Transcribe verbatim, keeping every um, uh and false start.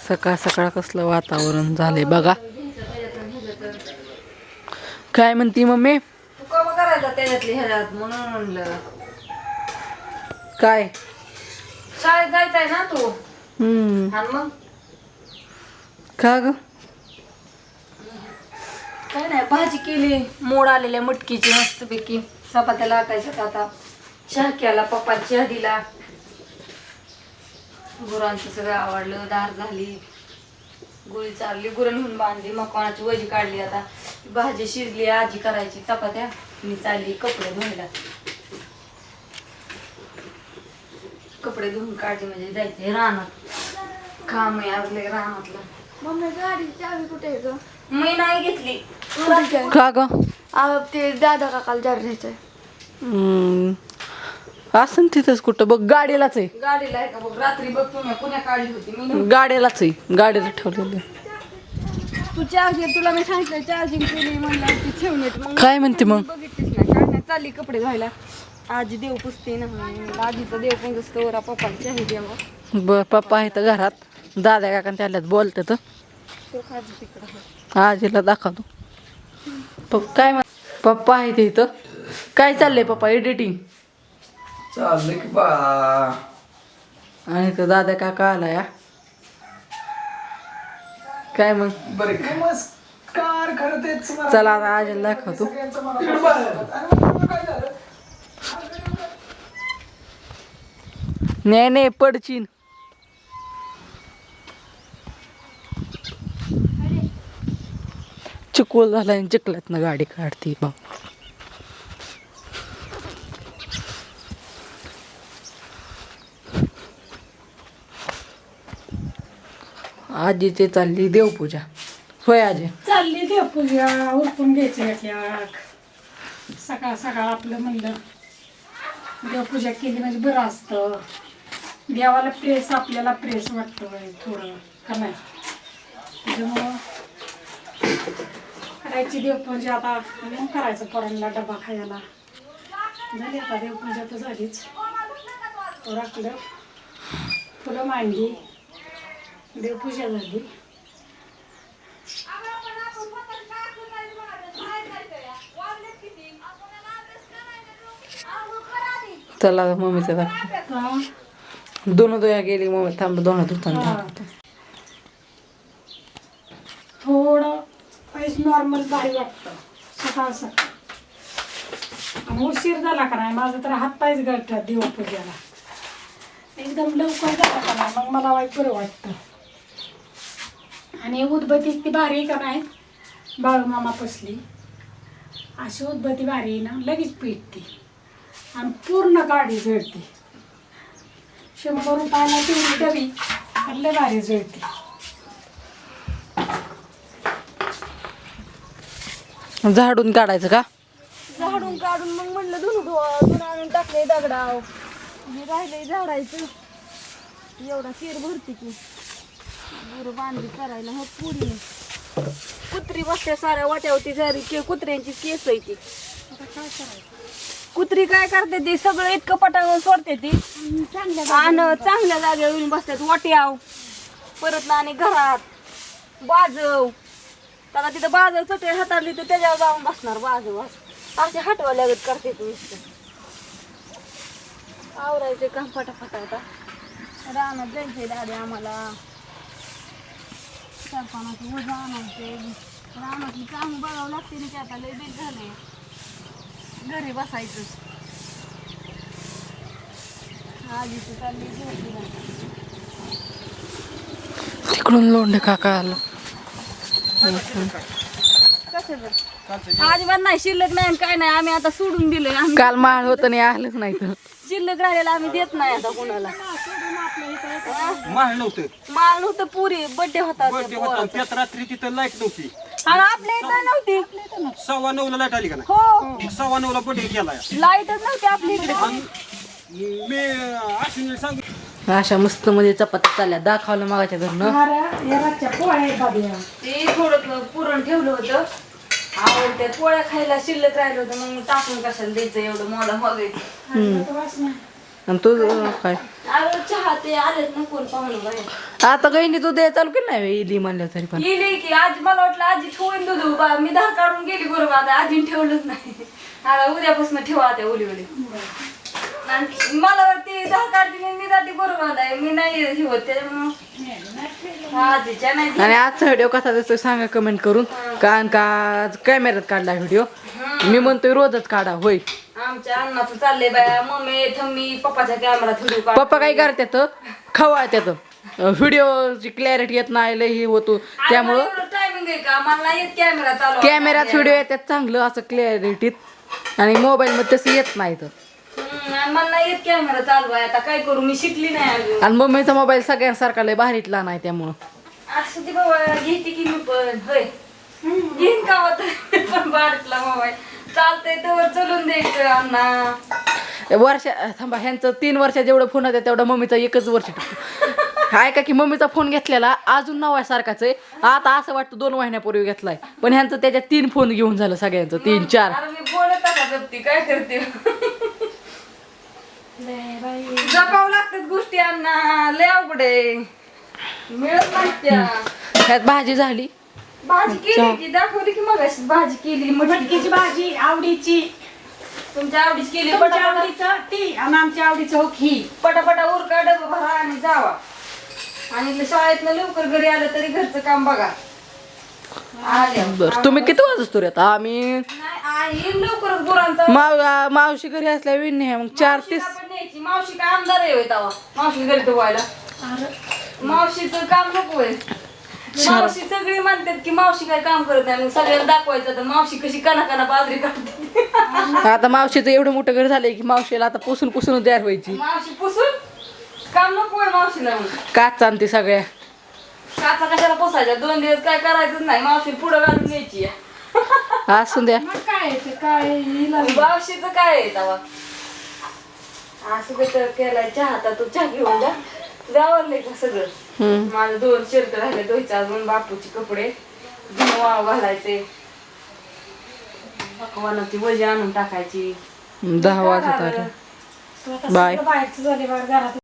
सकाळ सकाळ कसलं वातावरण झालंय बघा. काय म्हणती मम्मी? तू कम करायचा त्याच्यातली ह्याच्यात म्हणून म्हणलं. काय शाळेत जायचंय ना तू? हम्म आणि मग का ग? काय नाही, भाजी केली मोड आलेल्या मटकीची मस्तपैकी. चपात्या लाटायच्यात आता. चहा केला, पप्पा चहा दिला. गुरांचं सगळं आवडलं, धार झाली, गुळी चालली, गुरं नेऊन बांधली, मकवानाची वजी काढली. आता भाजी शिजली, आजी करायची चपात्या, मी चालली कपडे धुवायला. कपडे धुवून काढले म्हणजे जायचे रानात. काम आहे आवडले रानातलं. मम्मी गाडीची चावी कुठे आहे ग? मी नाही घेतली. का ग? आ, ते दादा काकाला जार घ्यायचंय. हम्म असं तिथंच कुठं बघ, गाडीलाच आहे. गाडीला आहे का बघ, रात्री बघ तुम्ही पुण्या काढली होती मी नव्हती. गाडीलाच आहे, गाडीला ठेवलेलं. तू चार्जिंग, तुला मी सांगितलं चार्जिंग केली म्हणलं ती ठेवून येते. मग काय म्हणते मग? बघितलीच नाही, काय नाही, चालली कपडे धुवायला. आजी देव पुसते ना, आजीचं देव पण असतं वर, पप्पाला चहा द्यावं. बर पप्पा आहे तर घरात, दादा काका त्याल्यात बोलते तर तो खाजी तिकडं. आजीला दाखवतो. पप्पा काय म्हण, पप्पा आहे ते इथं. काय चाललंय पप्पा? एडिटिंग चाललंय की बा. आणि तो दादा काका आला या. काय मग? बरे नमस्कार. खरं तेच मला- चला आता आजीला दाखवतो. सगळ्यांचं मनापासून अरे काय झालं? नाही नाही पडचीन. चिकोल झाला आणि चिखलात ना गाडी काढते भाऊ. आजीची चालली देवपूजा. होय आजी? चालली देवपूजा, उरकून घ्यायची एक. सकाळ सकाळ आपलं म्हणलं देवपूजा केली म्हणजे बरं असतं. देवाला प्रेस, आपल्याला प्रेस वाटतं थोडं का नाही. त्याच्यामुळं करायची देवपूजा. आता मग करायचं पोरांना डबा खायला. झाली आता देवपूजा तर झालीच. राखलं, फुलं मांडली, देवपूजा झाली. चला मम्मीचं दाखव. हा. दोन दोया गेली मम्मी. थांब दोन धुताना हा. दाखवतो. थोडं पैस नॉर्मल भारी वाटतं सकाळ सकाळ. आणि उशीर झाला का नाही, माझं तर हात पायच गळतात देवपूजेला. एकदम लवकर झाला का नाही मग मला वाईट बरं वाटतं. आणि उदबत्ती ती भारी का नाही, बाळूमामा पसली अशी उदबत्ती भारी ना, लगेच पेटते आणि पूर्ण गाडी जळते. शंभर रुपयाला तेवढी डबी लय भारी जळते. झाडून काढायचं का? झाडून काढून मग म्हणलं धुणं धुवा, धुणं आणून टाकले दगडाव. हे राहिलंय झाडायचं. एवढा केर भरते की गुरु बांधली करायला. हो पुरी कुत्री बसते साऱ्या वाट्यावरती, सारी के कुत्र्यांची केस आहे ती. आता काय करायचं? कुत्री काय करते ती, सगळं इतकं पटांगून सोडते ती चांगल्या आणि चांगल्या जागेवर येऊन बसतात. वाट्याव परत ना आणि घरात बाजव. त्याला तिथं बाजव चटई हाताळली तर त्याच्यावर जाऊन बसणार बाजव. असे हटवा लागत करते तू. आवरायचे काम फटाफट. आता रानात जायचंय दादी आम्हाला. सरपणाचं वजा आणायचे. रानातली कामं बघावं लागते ना, की आता लय बेल झाले. घरी बसायचं. आजीची चालली झोपी. तिकडून लोंढे काका आलं. अजिबात नाही, शिल्लक नाही काय नाही. आम्ही आता सोडून दिलंय. आम्ही काल माळ होत नाही आलंच नाही तर. शिल्लक राहिलेला आम्ही देत नाही आता कोणाला. माळ नव्हतं. माल नव्हतं, पुरी बर्थडे होता बर्थडे त्या होता. पोराचा. त्यात रात्री तिथं लाईट नव्हती. आणि आपल्या इथं नव्हती. सव्वा नऊला लाईट आली का नाही? हो, सव्वा नऊला बर्थडे केलाय. लाईटच नव्हती आपल्या इकडे. मी अश्विनी सांग. अशा मस्त मध्ये चपात्या चालल्या. दाखवलं मागाच्या घरनं. रातच्या पोळ्या बाबी. ते थोडं पुरण ठेवलं होतं. आवडत्या पोळ्या खायला शिल्लक राहिलं होतं, मग टाकून कशाला द्यायचं एवढं मला बघायचं. आणि तू अं, काय अरे चहा ते आलेत ना कोण पाहुणं बाहेर. आता काही तू दे चालू केलं नाही इली म्हणलं तरी पण गेली की आजी मला वाटलं आजी ठेवून दूध बा मी धार काढून गेली बरोबर आता आजीने ठेवलंच नाही. आता उद्यापासून ठेवा त्या ओली ओली. आणि मला वाटते धार काढते मी मी जाते बरोबर आहे मी नाही हे होत त्याच्यामुळं आजीच्या नाही. आणि आजचा व्हिडिओ कसा दिसतोय सांगा कमेंट करून कारण का आज कॅमेऱ्यात काढला व्हिडिओ मी म्हणतोय रोजच काढा होय. आमच्या अन्नाचं चाललंय बाया मम्मी थम्मी पप्पाच्या कॅमेरा थोडी पप्पा काय करतात खवळतात व्हिडिओची क्लॅरिटी येत नाही लय हे होतो त्यामुळं टायमिंग आहे का मला नाही येत कॅमेरा चालू कॅमेऱ्यात व्हिडिओ येतात चांगलं असं क्लॅरिटीत आणि मोबाईल मध्ये तसं येत नाही तर हम्म, आणि मला नाही येत कॅमेरा चालू आहे आता काय करू मी शिकली नाही अजून. आणि मम्मीचा मोबाईल सगळ्यांसारखा लय भारीतला नाही त्यामुळं असं ते बाबा घेते की मी पण होय घेईन का होत पण बारीकला मोबाईल चालतंय तर चलून द्यायचं अण्णा. वर्ष थांबा ह्यांचं तीन वर्षात जेवढं फोन होतं तेवढं मम्मीचा एकच वर्ष आहे का की मम्मीचा फोन घेतलेला अजून नवासारखाच आहे आता असं वाटतं दोन महिन्यापूर्वी घेतलाय पण ह्यांचं त्याच्यात तीन फोन घेऊन झालं सगळ्यांचं तीन चार. अरे मी बोलत का जपती काय करते जपावं लागतात गोष्टी अण्णा लय अवघड आहे मिळत नाही त्या. ह्यात भाजी झाली भाजी केली की दाखवली की मग भाजी केली मटकीची मटकीची भाजी आवडीची तुमच्या आवडीची केली तुमच्या पटापटा आवडीचं ती आणि आमच्या आवडीचं हो खी पटापटा उरका डबा भरा आणि जावा आणि इथलं शाळेतनं लवकर घरी आलं तरी घरचं काम बघा. आले बरं तुम्ही किती वाजतो रे आता आम्ही नाही आई लवकरच गुरांचा माव मावशी घरी असल्या विण मग चार तीस मावशीला पण न्यायची. मावशी काय आमदार आहे होय तवा मावशी घरी धुवायला मावशीचं काम नको आहे. मावशी सगळी म्हणतात की मावशी काय काम करत नाही मग सगळ्यांना दाखवायचं तर मावशी कशी कना कना बाजरी काढते. आता मावशीचं एवढं मोठं घर झालंय की मावशीला आता पुसून पुसून तयार व्हायची मावशी पुसून काम नको आहे मावशीला मग काच आणते सगळ्या काचा कशाला पुसायच्या दोन दिवस काय करायचंच नाही मावशी पुढं घालून न्यायची असून द्या मग काय ते काय हिला मावशीचं काय आहे तवा असं तर केलाय चहा आता तू चहा घेऊन जा जावरले का सगळं. हम्म. माझं दोन शर्ट राहिले धुवायचे अजून बापूचे कपडे धुणं वाळू घालायचे पकवानाची वजी आणून टाकायची. दहा वाजत आले तू आता बाय. सगळं बाहेरचं झाले बरं घरात